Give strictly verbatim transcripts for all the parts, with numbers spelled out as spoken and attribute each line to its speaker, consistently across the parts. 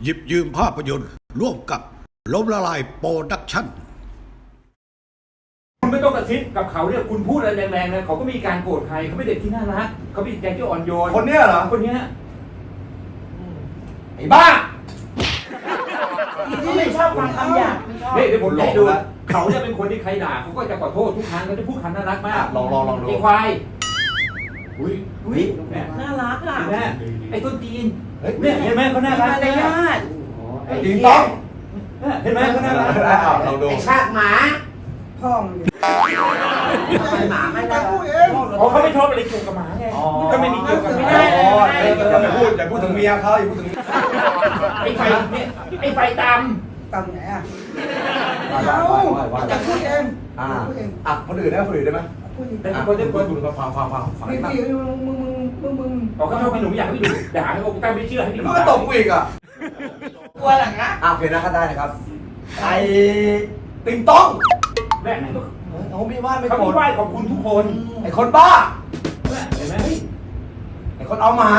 Speaker 1: หยิบยืมภาพยนตร์ร่วมกับล้มละลายโปรดักชั่น
Speaker 2: คุณไม่ต้องกระซิบกับเขาเนี่ยคุณพูดอะไรแรงๆเลยเขาก็มีการโกรธใครเขาไม่เด็กที่น่ารักเขาเป็นใจที่อ่อนโยน
Speaker 3: คนเนี้ยเหรอ
Speaker 2: คนเนี้ย
Speaker 3: ไอ้บ้า
Speaker 4: ที่ไม่ชอบฟังคำหยาบไม่ชอบ
Speaker 2: เดี๋ยวผมจะดูเขาจะเป็นคนที่ใครด่าเขาก็จะขอโทษทุกครั้งเขาจะพูดคำน่ารักมาก
Speaker 3: ลองลองลองดู
Speaker 2: ไอ้ควาย
Speaker 3: อุ้ย
Speaker 4: อุ้ยน่ารักอ่ะ
Speaker 2: แม่ไอ้ต้นตีนเนี่ยเห็นไหมเขาน่ารัก
Speaker 4: เลยญาติ
Speaker 3: ไอ้ตีนต้อง
Speaker 2: เห็นไหมเขาน่ารัก
Speaker 3: ลองดู
Speaker 4: ไอ้ชาติหมาพ่องหมาไม่ได้พูดเอง
Speaker 2: เขาไม่ชอบอะไรเกี่ยวกับหมาไงก็ไม่มีเกี่ยวกับไม่ได้
Speaker 3: อย่าไปพูดอย่าพูดถึงเมียเขาอย่าพูดถึง
Speaker 2: ไอ้ไฟเนี่ยไอ้ไฟตาม
Speaker 4: ตามไหนอ่ะเขาจะพูดเอง
Speaker 3: อ่าอ่ะคนอื่นได้คนอื่นได้ไหม
Speaker 2: แต่คนที่คน
Speaker 3: ดูฟังฟังฟังฟัง
Speaker 4: ไม่พี่มึงมึงมึงมึง
Speaker 2: เขาเขาชอบให้หนูอยากให้หนูด่าให้เขาตั้งไม่เชื่อให้หนู
Speaker 3: ก็ตกกูอีกอ่ะ
Speaker 4: กลัวหลังนะ
Speaker 3: อ่ะโอเคนะก็ได้นะครับไอ้ติงต้อง
Speaker 2: แม่
Speaker 3: เขาไม่ว่าไม่
Speaker 2: เขาไม่ไหว้ขอบคุณทุกคน
Speaker 3: ไอ้คนบ้า
Speaker 2: เห็นไหม
Speaker 3: ไอ้คนเอาหมา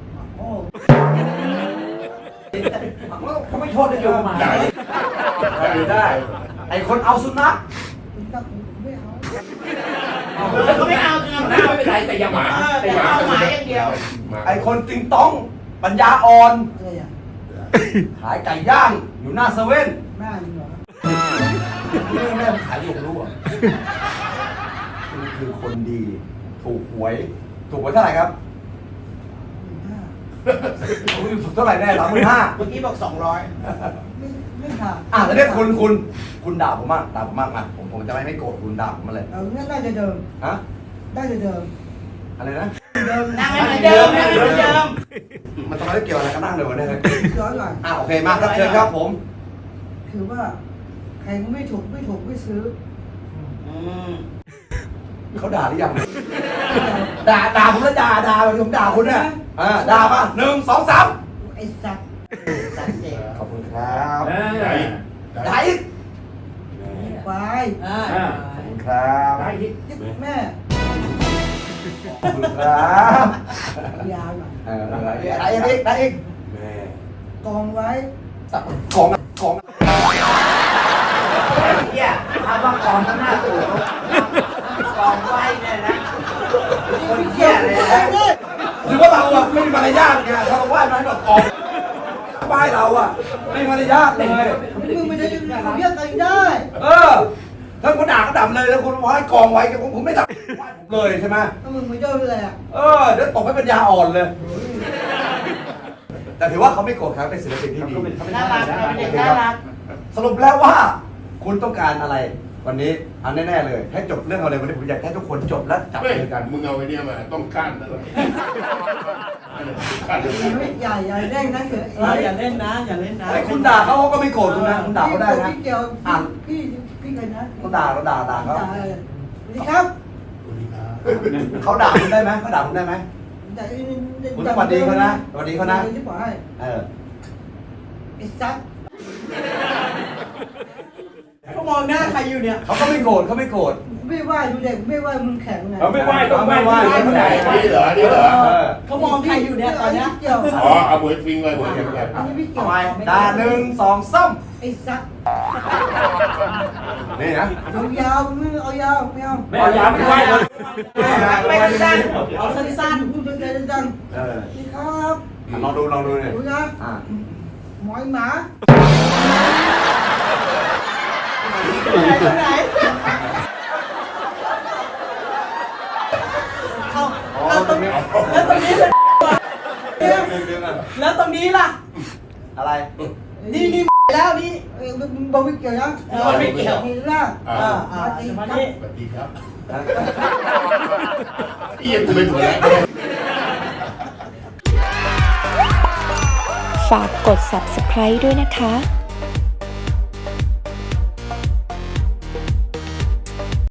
Speaker 2: เขาไม่ชอบได้เกี่ยวกับหมา
Speaker 3: ได้ได้ไอ้คนเอาสุนัข
Speaker 4: ไม่เอา
Speaker 2: เขาไม่เอาไม่เป็นไรแต่อย่าหมา
Speaker 4: แต่อย่าเอาหมาอย่างเดียว
Speaker 3: ไอ้คนติงต้องปัญญาอ่อนขายไก่ย่างอยู่หน้าเซเว่น
Speaker 4: แม่เหรอ
Speaker 3: แม่แม่ขายอยู่รู้อ่ะคือคือคนดีถูกหวยถูกหวยเท่าไหร่ครับถูกเท่าไหร่แน่สามหมื่นห้า
Speaker 4: เมื่อกี้บอกสองร้อยไม่ไม่ค่ะ
Speaker 3: อ่ะแล้วเนี่ยคุณคุณคุณด่าผมมากด่าผมมากมาผมผมจะไม่ไม่โกรธคุณด่าผมมาเลย
Speaker 4: เอองั้นได้จะเดิม
Speaker 3: ฮะ
Speaker 4: ได้จะเดิม
Speaker 3: อะไรนะ
Speaker 4: เดิมนั่งเหมือนเดิมนั่งเหมือนเดิม
Speaker 3: มันตอนนี้เกี่ยวอะไรกันนั่งเลยวะเนี่ย
Speaker 4: ย้อนหน่อย
Speaker 3: อ่ะโอเคมาครับเชิญครับผม
Speaker 4: คือว่าใครก็ไม่ถูกไม่ถูกไม่ซื้อ
Speaker 3: เขาด่าหรือยังด่าด่าผมแล้วด่าด่าผมด่าคุณเนี่ยอ่าด่าป่ะหนึ่งสองสาม
Speaker 4: ไอ้สัตว์สัตว์เด็ก
Speaker 3: ขอบคุณครับ
Speaker 2: ได้
Speaker 3: ได้
Speaker 4: ไป
Speaker 3: ขอบคุณครับ
Speaker 4: ได้แม่
Speaker 3: ขอบคุณครับ
Speaker 4: ยาวหน่อย
Speaker 3: เออได้อีกได้อีก
Speaker 2: แม่
Speaker 4: กองไว้
Speaker 3: กองกอง
Speaker 4: เนี่ยทำว่ากองข้างหน้าตู่กองไว้เนี่ยนะคนเที่ยเลยนะ
Speaker 3: ถือว่าเราอ่ะไม่มีมารยาทไงเราไหว้มาให้แบบกองไหว้เราอ่ะไม่มีมารยาทเลย
Speaker 4: มึงไม่ได้เขาเรียกกันได้
Speaker 3: เออถ้าคุณด่าก็ด่าเลยแล้วคุณไหว้กองไว้ผมผมไม่ด่าเลยใช่ไหม
Speaker 4: ถ้ามึงไม่เดินเลยอ่ะ
Speaker 3: เออเดี๋ยวตกให้ปัญญาอ่อนเลยแต่ถือว่าเขาไม่โกรธครับเป็นศิลปินที่ดี
Speaker 4: น่ารักน่ารัก
Speaker 3: สรุปแล้วว่าคุณต้องการอะไรวันนี้อันแน่ๆเลยให้จบเรื่องอะไรวันนี้ผมอยากให้ทุกคนจบแล้วจับมือกัน
Speaker 5: มึงเอาไอ้นี่มาต้องกั้นนะ
Speaker 4: อย่าอย่าเล่นนะเสืออย่าเล่นนะอย่าเล่นนะ
Speaker 3: ไอ้คุณด่าเขาก็ไม่โกรธคุณนะคุณด่าเขาได้นะ
Speaker 4: พี่เกี่ยวอ่านพี่พี่ใครนะ
Speaker 3: เขาด่าเขาด่าด่าเขา
Speaker 4: สวัสดีครับ
Speaker 3: เขาด่าคุณได้ไหมเขาด่าคุณได้ไหมคุณสวัสดีเขานะสวัสดีเขานะเออ
Speaker 4: ไอ้ซักเขามองหน้าใครอยู่เนี่ย
Speaker 3: เขาก็ไม่โกรธเขาไม่โกรธ
Speaker 4: ไม่ไหวดูเด็กไม่ไหวมึงแข็งไง
Speaker 2: เขาไม่ไหวต้องไหวไหว
Speaker 5: ไม่ไหวนี่เหรอนี่เหรอ
Speaker 4: เขามองใครอยู่เนี่ยตอนนี้
Speaker 5: อ๋อเอาหมวยฟิงเลยหมวยฟิงเลย
Speaker 4: อันนี้ไม่เกี่ยว
Speaker 3: ด่าหนึ่งสองซ้
Speaker 4: ำไอ้ซัก
Speaker 3: นี่นะ
Speaker 4: เอายาวไม่เอายาวไม่เอา
Speaker 2: ไม่เอายาวไม่ไหวเลย
Speaker 4: ไม่สั้นเอาสั้นๆพูดสั้นๆ
Speaker 3: เออ
Speaker 4: นี่ครับ
Speaker 3: ลองดูลองดูเลย
Speaker 4: ดูนะหมอยหมาไหนไหนเอาเอาตรงนี้แล้วตรงนี้เลยแล้วตรงนี้ล่ะ
Speaker 3: อะไร
Speaker 4: นี่นี่แล้วนี่บอวิเกี่ยวนะบอวิเกี่ยวนี่ล่ะอ่าอ่ามาดิ
Speaker 5: สวัสดีครับเอียนไม่ถูก
Speaker 6: ฝากกด ซับสไครบ์ ด้วยนะคะ